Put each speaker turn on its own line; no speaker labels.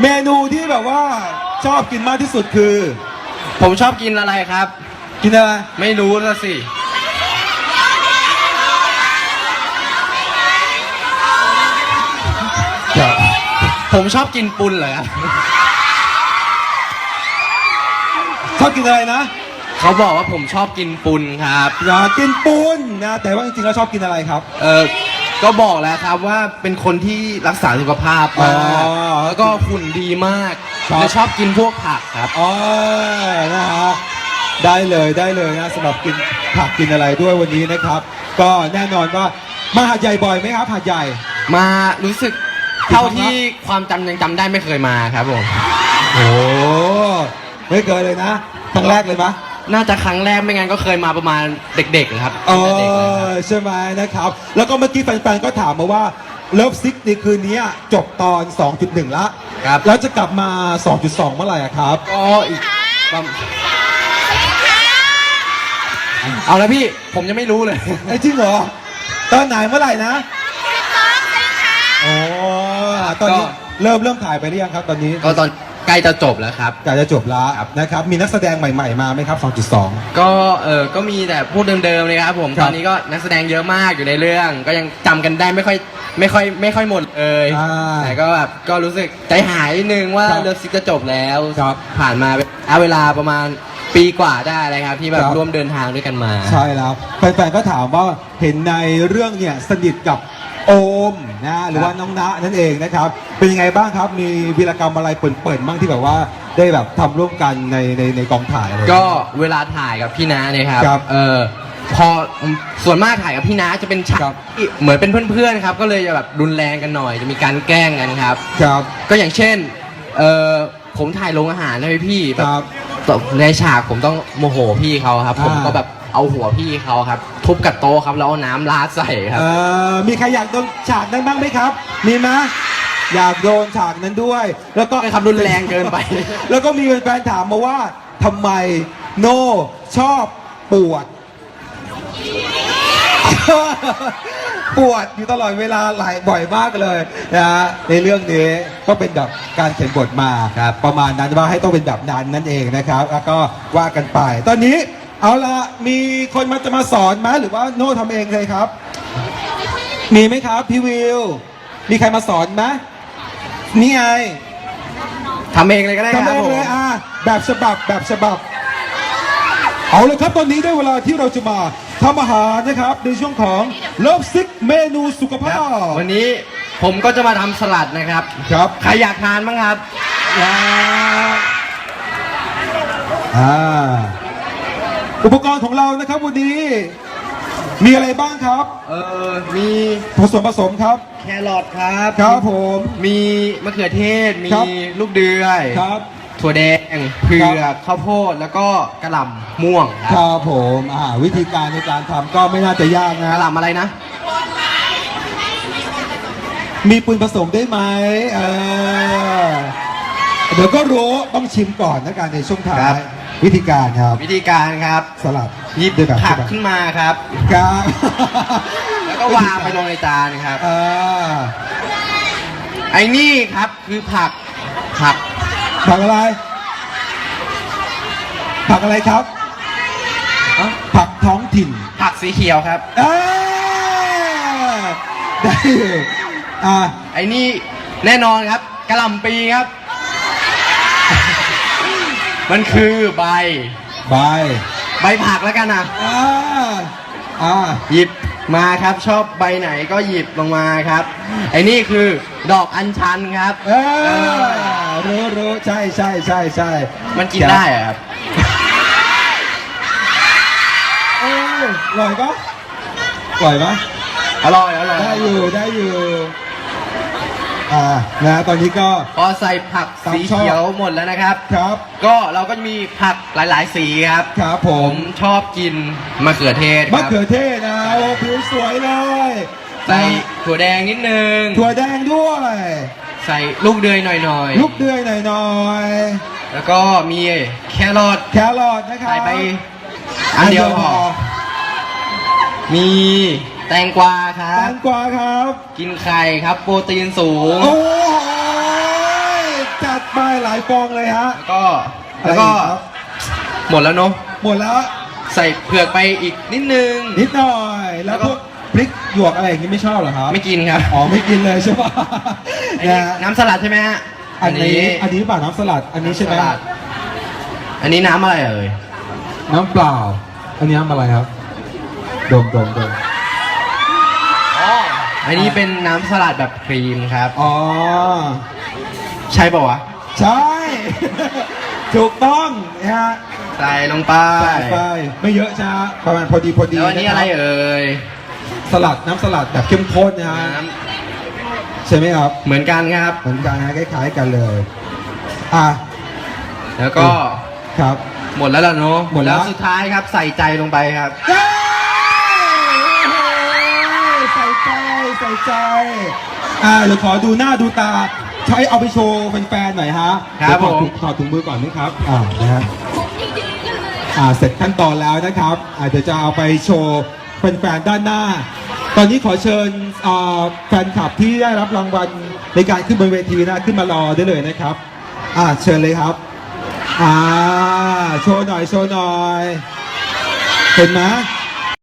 เมนูที่แบบว่าชอบกินมากที่สุดคือ
ผมชอบกินอะไรครับ
กินอะไร
ไม่รู้ละสิผมชอบกินปุนเลยครับ
ชอบกินอะไรนะ
เขาบอกว่าผมชอบกินปุนครับ
อยากกินปูนนะแต่ว่าจริงๆแล้วชอบกินอะไรครับ
ก็บอกแล้วครับว่าเป็นคนที่รักษาสุขภาพมากแล้วก็หุ่นดีมาก
ครับ
และชอบกินพวกผักครับ
อ๋อนะฮะได้เลยนะสำหรับกินผักกินอะไรด้วยวันนี้นะครับ ก็แน่นอนว่ามาหาดใหญ่บ่อยไหมครับหาดใหญ่
มารู้สึกเท่าที่ความจำยังจำได้ไม่เคยมาครับผม
โอ้ไม่เคยเลยนะครั้งแรกเลยปะ
น่าจะครั้งแรกไม่งั้นก็เคยมาประมาณเด็กๆครับ
อ๋อ
เด็กๆเลยครับ
ใช่ไหมนะครับ แล้วก็เมื่อกี้แฟนๆก็ถามมาว่าเลิฟซิกในคืนนี้จบตอน 2.1 ละ
ครับ
แล้วจะกลับมา 2.2 เมื่อไหร่อะครับ
ก็อีกประมาณเอาละพี่ผมยังไม่รู้เลย
ไอ้จริงเหรอ ตอนไหนเมื่อไหร่นะโอ้ตอนนี้
ก็
เริ่มถ่ายไปหรือยังครับตอนนี้
ก็ตอนใกล้จะจบแล้วครับ
ใกล้จะจบแล้วนะครับ มีนักแสดงใหม่ๆมาไหมครับ 2.2
ก็มีแต่พวกเดิมๆเลยครับผม
ครับ
ตอนนี้ก็นักแสดงเยอะมากอยู่ในเรื่อง ก็ยังจำกันได้ไม่ค่อยหมดเลย
อ่า
แต่ก็แบบก็รู้สึกใจหายนิดนึงว่า
ครับ
เลิฟซิกจะจบแล้ว
ครับ
ผ่านมาเวลาประมาณปีกว่าได้เลยครับที่แบบ
ครับ
ร่วมเดินทางด้วยกันมา
ใช่แล้วแฟนๆก็ถามว่าเห็นในเรื่องเนี่ยสนิทกับโอมนะหรือว่าน้องณะนั่นเองนะครับ เป็นยังไงบ้างครับ มีวีรกรรมอะไรเปิดๆบ้างที่แบบว่าได้แบบทำร่วมกันในกองถ่ายอะไร
ก็เวลาถ่ายกับพี่น้าเนี่ยครับ
ครับ
พอส่วนมากถ่ายกับพี่น้าจะเป็นฉาก
ครับ
ที่เหมือนเป็นเพื่อนๆครับก็เลยจะแบบรุนแรงกันหน่อยจะมีการแกล้งกันครับ
ครับ
ก็อย่างเช่นผมถ่ายโรงอาหารให้พี่แบ
ครับ
บในฉากผมต้องโมโหพี่เขาครับ ผมก็แบบเอาหัวพี่เขาครับ ทุบกับโต๊ะครับแล้วเอาน้ำราดใส่ครับ
มีใครอยากโดนฉากนั้นบ้างไหมครับ มีไหมอยากโดนฉากนั้นด้วย แล้วก็
ไม่ครับรุนแรงเกินไป
แล้วก็มีแฟนๆถามมาว่าทำไมโน่ชอบปวด ปวดอยู่ตลอดเวลาหลายบ่อยมากเลยนะฮะในเรื่องนี้ก็เป็นแบบการเขียนบทมาประมาณนั้นว่าให้ต้องเป็นแบบนั้นนั่นเองนะครับ แล้วก็ว่ากันไป ตอนนี้เอาละมีคนจะมาสอนไหมหรือว่าโน่ทำเองเลยครับ มีไหมครับพี่วิว มีใครมาสอนไหมนี่ไง
ทำเองเลยก็ได้ค
ทำ
รับ
เอง
ผม
เลยแบบฉบับเอาเลยครับตอนนี้ได้เวลาที่เราจะมาทำอาหารนะครับในช่วงของเลิฟซิกเมนูสุขภาพ
วันนี้ผมก็จะมาทำสลัดนะครับ
ครับ
ใครอยากทานบ้างครับ
อุปกรณ์ของเรานะครับวันนี้ มีอะไรบ้างครับ
มี
ผสมครับ
แครอทครับ
ครับผม
มีมะเขือเทศ มี
ครับ
ลูกเดือย
ครับ
ถั่วแดงเผือกข้าวโพดแล้วก็กระหล่ำม่วงค
ครับ รับผมวิธีการในการทำก็ไม่น่าจะยาก
ก
นะ
ระหล่ำอะไรนะ
มีปืนผสมได้ไหมเดี๋ยวก็รู้ต้องชิมก่อนนะการในช่วงท้า
ครั
ย
บ
วิธีการครับ
วิธีการครับ
สลัด
หยิบ
ด้วยแบบ
ผัก
ฉบับ
ขึ้นมาครับ
ครับ
แล้วก็วางไปลงในจานครับ
อ่า
ไอ้นี่ครับคือผัก
ผักอะไร ผักอะไรครับผักท้องถิ่น
ผักสีเขียวครับ
ได้อยู่อ่า
ไอ้นี่แน่นอนครับกระหล่ำปีครับ มันคือใบ
ใบ
ใบผักแล้วกันนะ
หยิบ
มาครับชอบใบไหนก็หยิบลงมาครับ ไอ้นี่คือดอกอัญชันครับ
รู้ใช่
มันกินได้เหรอครับ
อร่อยปะอร่อยปะ
อร่อย
ได้อยู่นะตอนนี้ก็
พอใส่ผักสีเขียวหมดแล้วนะครับ
ครับ
ก็เราก็จะมีผักหลายๆสีครับ
ครับผ
ผม มชอบกินมะเขือเทศค
มะ
รับ
เขือเทศนะโอ้ผิวสวยเลย
ใส่ถั่วแดงนิดนึง
ถั่วแดงด้วย
ใส่ลูกเดือยหน่อย
ลูกเดือยหน่อย
ๆแล้วก็มีแครอท
แครอทนะครับ
ใส่ไปอันเดียวพอมีแตงกวาครั
แต
บ
งกวาครับ
กินไข่ครับ โปรตีนสูง
โอ้ยจัดไปหลายฟองเลยฮะ
แล้วก็
อะไรอีครับ
หมดแล้วเนาะ
หมดแล้ว
ใส่เผือกไปอีกนิดนึง
นิดหน่อย แล้ว
แล้วก็
พวกพริกหยวกอะไรอย่างนี้ไม่ชอบเหรอครับ
ไม่กินครับ
อ๋อไม่กินเลยใช่ปะ
อัน
นะ
นี้
ฮะ
น้ำสลัดใช่ไหมฮะ
อันนี้เปล่าน้ำสลัดอันนี้ใช่ไหม
สลัดอันนี้น้ำอะไรเอ่ย
น้ำเปล่า อันนี้น้ำอะไรครับดม
อันนี้เป็นน้ำสลัดแบบครีมครับ
อ๋อ
ใช่ป่าวะ
ใช่ ถูกต้องนะฮะ
ใส่ลงไป
ใส่ไปไม่เยอะจ้าประมาณพอดี
แล้วอันนี้อะไรเอ่ย
สลัดน้ำสลัดแบบเข้มข้นนะฮะ
น้
ใช่ไหมครับ
ำเหมือนกันครับ
เหมือนกันนะคล้ายๆกันเลยอ่ะ
แล้วก็
ครับ
หมดแล้วล่ะเนาะ
หมดแล้ว
สุดท้ายครับใส่ใจลงไปครับ
เย้ใส่ใจเดี๋ยวขอดูหน้าดูตาใช้เอาไปโชว์แฟนๆหน่อยฮะ
ครับ
เดี๋ยว
ผม
ถอดถุงมือก่อนนะครับนะฮะเสร็จขั้นตอนแล้วนะครับเดี๋ยวจะเอาไปโชว์แฟนๆด้านหน้า ตอนนี้ขอเชิญแฟนคลับที่ได้รับรางวัลในการขึ้นบนเวทีนะขึ้นมารอได้เลยนะครับเชิญเลยครับโชว์หน่อยเห็นไหม